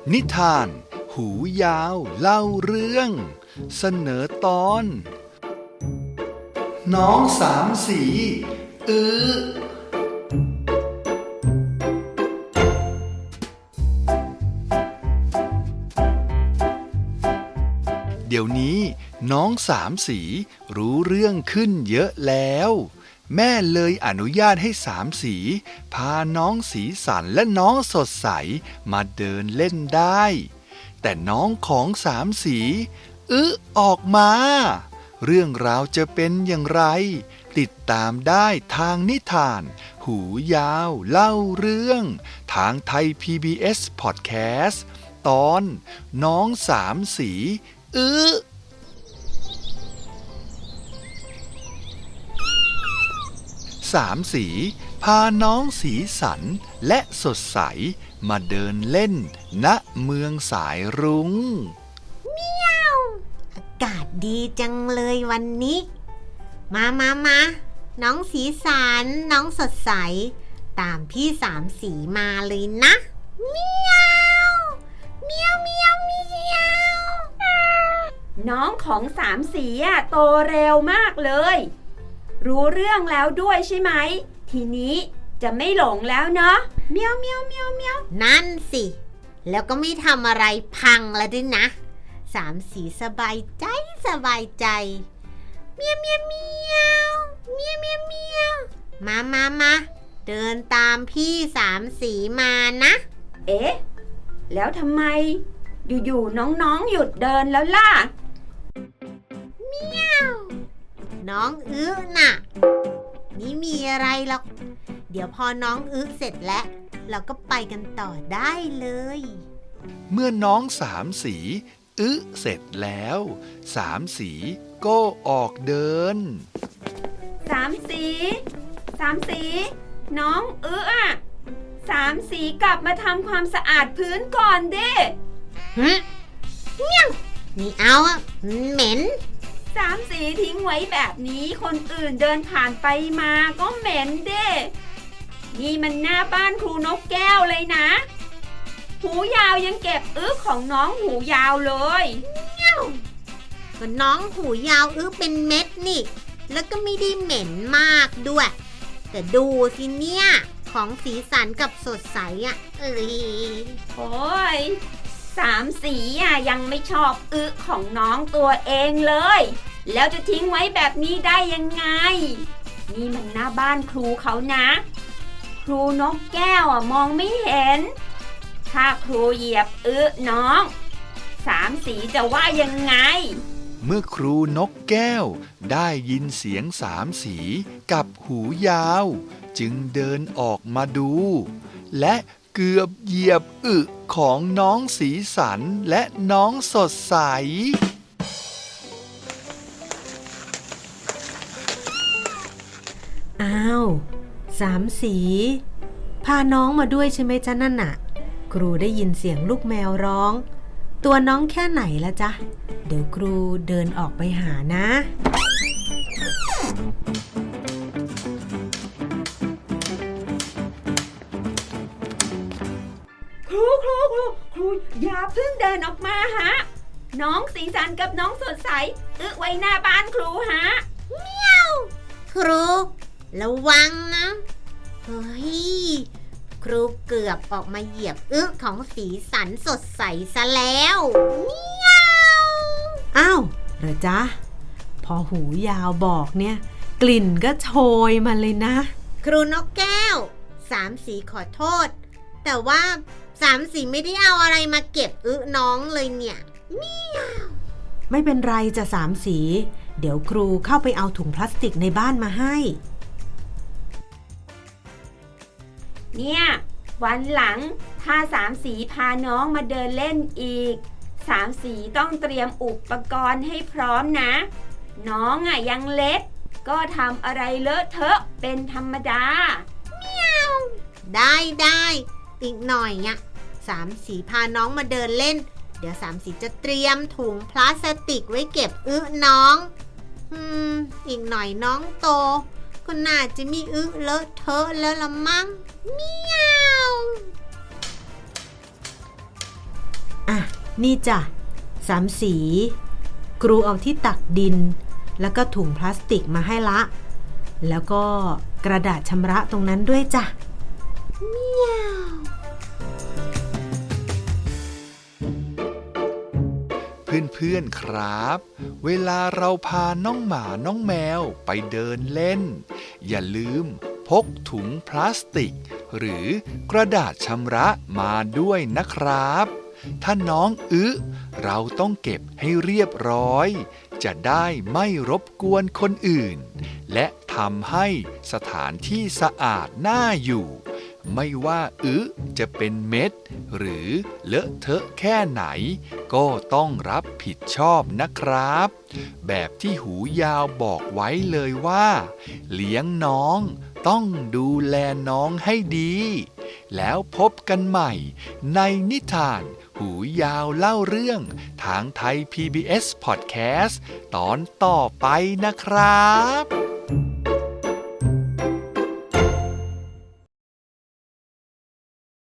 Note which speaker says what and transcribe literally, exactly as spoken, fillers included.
Speaker 1: นิทานหูยาวเล่าเรื่องเสนอตอนน้องสามสีอือเดี๋ยวนี้น้องสามสีรู้เรื่องขึ้นเยอะแล้วแม่เลยอนุญาตให้สามสีพาน้องสีสันและน้องสดใสมาเดินเล่นได้แต่น้องของสามสีอึะออกมาเรื่องราวจะเป็นอย่างไรติดตามได้ทางนิทานหูยาวเล่าเรื่องทางไทย พี บี เอส Podcast ตอนน้องสามสีอึะสามสีพาน้องสีสันและสดใสมาเดินเล่นณเมืองสายรุ้ง
Speaker 2: เมียวอากาศดีจังเลยวันนี้มามามาน้องสีสันน้องสดใสตามพี่สามสีมาเลยนะเมียวเมียวเมียวเมียว
Speaker 3: น้องของสามสีอะโตเร็วมากเลยรู้เรื่องแล้วด้วยใช่ไหมทีนี้จะไม่หลงแล้วเนาะเมียวเมียวเมียวเมียว
Speaker 2: นั่นสิแล้วก็ไม่ทำอะไรพังแล้วด้วยนะสามสีสบายใจสบายใจเมียวเมียวเมียวเมียวเมียวเมียวมามามาเดินตามพี่สามสีมานะ
Speaker 3: เอ๊ะแล้วทำไมอยู่ๆน้องๆหยุดเดินแล้วล่ะ
Speaker 2: เมียวน้องอื้อน่ะนี่มีอะไรหรอกเดี๋ยวพอน้องอื้อเสร็จแล้วเราก็ไปกันต่อได้เลย
Speaker 1: เมื่อน้องสามสีอึะเสร็จแล้วสามสีก็ออกเดิน
Speaker 3: สามสีสามสีน้องอึะอ่ะสามสีกลับมาทำความสะอาดพื้นก่อนเด้
Speaker 2: ฮึเมี่ยงนี่เอาอ่ะเหม็น
Speaker 3: สามสีทิ้งไว้แบบนี้คนอื่นเดินผ่านไปมาก็เหม็นเด้นี่มันหน้าบ้านครูนกแก้วเลยนะหูยาวยังเก็บอึของน้องหูยาวเลย
Speaker 2: เงี้ยวก็น้องหูยาวอึเป็นเม็ดนี่แล้วก็ไม่ได้เหม็นมากด้วยแต่ดูสิเนี่ยของสีสันกับสดใสอ่ะเอ้ย
Speaker 3: โอ้ยสามสีอ่ะยังไม่ชอบอึของน้องตัวเองเลยแล้วจะทิ้งไว้แบบนี้ได้ยังไงนี่มันหน้าบ้านครูเขานะครูนกแก้วอ่ะมองไม่เห็นถ้าครูเหยียบอึน้องสามสีจะว่ายังไง
Speaker 1: เมื่อครูนกแก้วได้ยินเสียงสามสีกับหูยาวจึงเดินออกมาดูและเกือบเหยียบอึของน้องสีสันและน้องสดใส
Speaker 4: อ้าวสามสีพาน้องมาด้วยใช่ไหมจ๊ะนั่นน่ะครูได้ยินเสียงลูกแมวร้องตัวน้องแค่ไหนละจ๊ะเดี๋ยวครูเดินออกไปหานะ
Speaker 3: ครูครูครูครูอย่าเพิ่งเดินออกมาฮะน้องสีสันกับน้องสดใสอึไว้หน้าบ้านครูฮะ
Speaker 2: เมียวครูระวังนะเฮ้ยครูเกือบออกมาเหยียบอึของสีสันสดใสซะแล้วเมียว
Speaker 4: อ้าวเหรอจ๊ะพอหูยาวบอกเนี่ยกลิ่นก็โชยมาเลยนะ
Speaker 2: ครูนกแก้วสามสีขอโทษแต่ว่าสามสีไม่ได้เอาอะไรมาเก็บอึน้องเลยเนี่ยเมียว
Speaker 4: ไม่เป็นไรจ้ะสามสีเดี๋ยวครูเข้าไปเอาถุงพลาสติกในบ้านมาให้
Speaker 3: เนี่ยวันหลังถ้าสามสีพาน้องมาเดินเล่นอีกสามสีต้องเตรียมอุปกรณ์ให้พร้อมนะน้องอ่ะยังเล็กก็ทำอะไรเลอะเทอะเป็นธรรมดา
Speaker 2: เมียวได้ได้อีกหน่อยเนี่ยสามสีพาน้องมาเดินเล่นเดี๋ยวสามสีจะเตรียมถุงพลาสติกไว้เก็บอึน้องอืมอีกหน่อยน้องโตก็น่าจะมีอึเลอะเทอะแล้วละมั้งเมียว
Speaker 4: อ่ะนี่จ้ะสามสีครูเอาที่ตักดินแล้วก็ถุงพลาสติกมาให้ละแล้วก็กระดาษชำระตรงนั้นด้วยจ้ะเมียว
Speaker 1: เพื่อนๆครับ เวลาเราพาน้องหมาน้องแมวไปเดินเล่นอย่าลืมพกถุงพลาสติกหรือกระดาษชำระมาด้วยนะครับถ้าน้องอึเราต้องเก็บให้เรียบร้อยจะได้ไม่รบกวนคนอื่นและทำให้สถานที่สะอาดน่าอยู่ไม่ว่าอึจะเป็นเม็ดหรือเลอะเทอะแค่ไหนก็ต้องรับผิดชอบนะครับแบบที่หูยาวบอกไว้เลยว่าเลี้ยงน้องต้องดูแลน้องให้ดีแล้วพบกันใหม่ในนิทานหูยาวเล่าเรื่องทางไทย พี บี เอส Podcast ตอนต่อไปนะครับ